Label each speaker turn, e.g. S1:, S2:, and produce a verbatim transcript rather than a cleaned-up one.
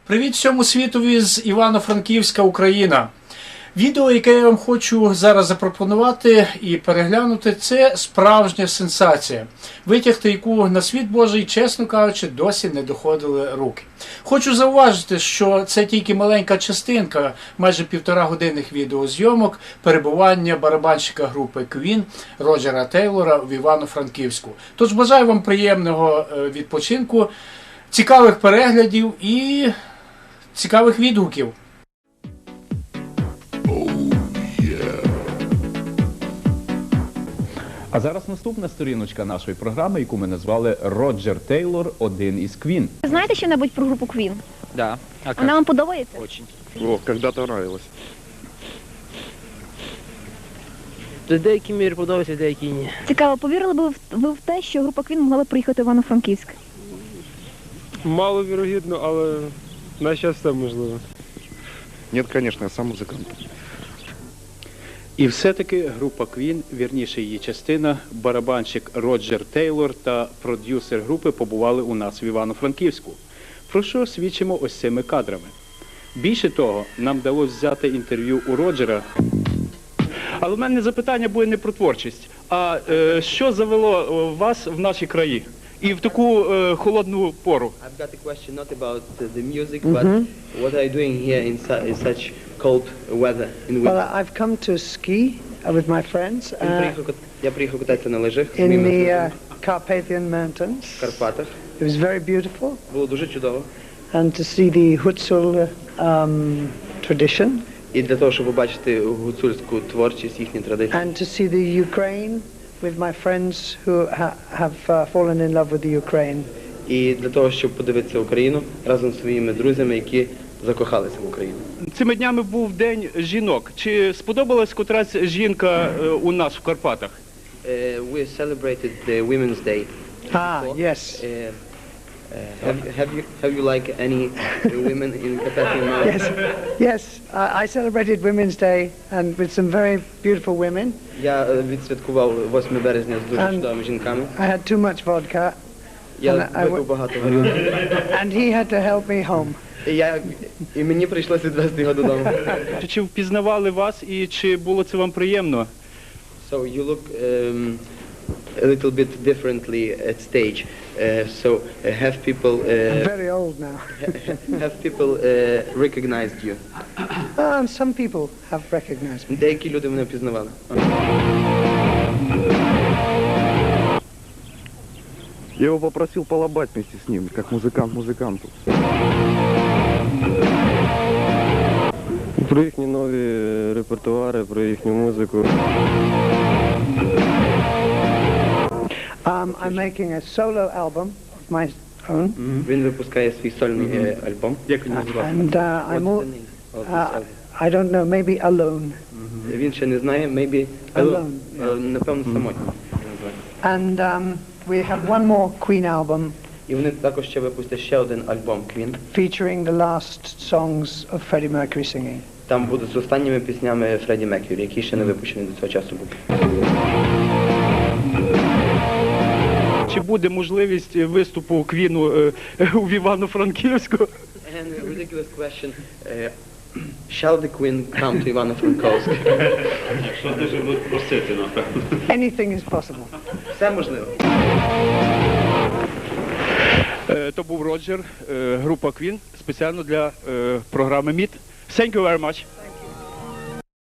S1: Привіт всьому світові з Івано-Франківська, Україна. Відео, яке я вам хочу зараз запропонувати і переглянути, це справжня сенсація, витягти яку на світ Божий, чесно кажучи, досі не доходили руки. Хочу зауважити, що це тільки маленька частинка, майже півтора годинних відеозйомок перебування барабанщика групи Queen Роджера Тейлора в Івано-Франківську. Тож бажаю вам приємного відпочинку, цікавих переглядів і цікавих відгуків.
S2: А зараз наступна сторіночка нашої програми, яку ми назвали «Роджер Тейлор. Один із Queen».
S3: Ви знаєте що-небудь про групу Queen?
S4: Да. А как?
S3: Вона вам подобається?
S4: Очень.
S5: О, когда-то нравилось.
S4: В деякій мірі подобається, в деякій ні.
S3: Цікаво, повірили б ви в- ви в те, що група Queen могла б приїхати в Івано-Франківськ?
S6: Маловірогідно, але на щас все можливо.
S5: Нет, конечно, я сам музыкант.
S2: І все-таки група Queen, вірніше її частина, барабанщик Роджер Тейлор та продюсер групи побували у нас в Івано-Франківську. Про що свідчимо ось цими кадрами. Більше того, нам вдалося взяти інтерв'ю у Роджера. Але в мене запитання буде не про творчість, а е, що завело е, вас в наші краї? І в таку е, холодну пору.
S7: I've got a question not about uh, the music, but what are you doing here in, su in such cold weather in winter?
S8: Well, I've come to ski uh, with my friends
S7: Він
S8: uh,
S7: приїхав кат- Я приїхав кататися на лижах з
S8: in
S7: моїми
S8: the
S7: друзями
S8: uh, Carpathian Mountains.
S7: в Карпатах.
S8: It was very beautiful,
S7: Було дуже чудово.
S8: and to see the Hutsul um, tradition,
S7: І для того, щоб побачити гуцульську творчість, їхні традиції.
S8: and to see the Ukraine with my friends who ha have uh, fallen in love with the Ukraine.
S7: І для того, щоб подивитися Україну разом з своїми друзями, які закохалися в Україну.
S2: Цими днями був День жінок. Чи сподобалась котрась жінка е, у нас в Карпатах?
S7: Uh, we celebrated the Women's Day.
S8: Ah,
S7: before.
S8: yes.
S7: Uh, uh, have, you, have you have you like any women in Carpathian Mountains?
S8: Yes, yes. I, I celebrated Women's Day and with some very beautiful women.
S7: Я е, відсвяткував восьмого березня з дуже
S8: And-
S7: чудовими жінками.
S8: I had too much vodka,
S7: Я
S8: And I
S7: випив
S8: w-
S7: багато горілки.
S8: and he had to help me home.
S7: І, я, і мені прийшлося відвезти його додому.
S2: Чи- Чи впізнавали вас і чи було це вам приємно?
S7: So you look um, a little bit differently at stage. Uh, so uh, have people
S8: I'm
S7: uh,
S8: very old now.
S7: have people uh, recognized you?
S8: Um, some people have recognized me.
S7: Деякі люди мене впізнавали.
S5: Я его попросил полобать вместе с ним, как музыкант музыканту.
S6: Про їхні нові репертуари, про їхню музику.
S8: Um, I'm making a solo album of my own,
S7: Він випускає свій сольний е, альбом.
S2: Як він називається?
S8: and uh, I'm
S7: What's
S8: all,
S7: the name of this
S8: uh,
S7: album?
S8: I don't know, maybe alone.
S7: Він ще не знає, maybe
S8: Alone,
S7: Е, напевно самотній.
S8: And um, we have one more Queen album
S7: І вони також ще випустять ще один альбом Queen.
S8: featuring the last songs of Freddie Mercury singing.
S7: Там будуть з останніми піснями Фредді Меркюрі, які ще не випущені до цього часу були.
S2: Чи буде можливість виступу Квіну е, у Івано-Франківську?
S7: And a ridiculous question. Uh, shall the Queen come to Ivano-Frankivsk?
S8: Anything is possible.
S7: Все можливо.
S2: Е, То був Роджер, е, група Queen, спеціально для е, програми «Міт». Thank you very much.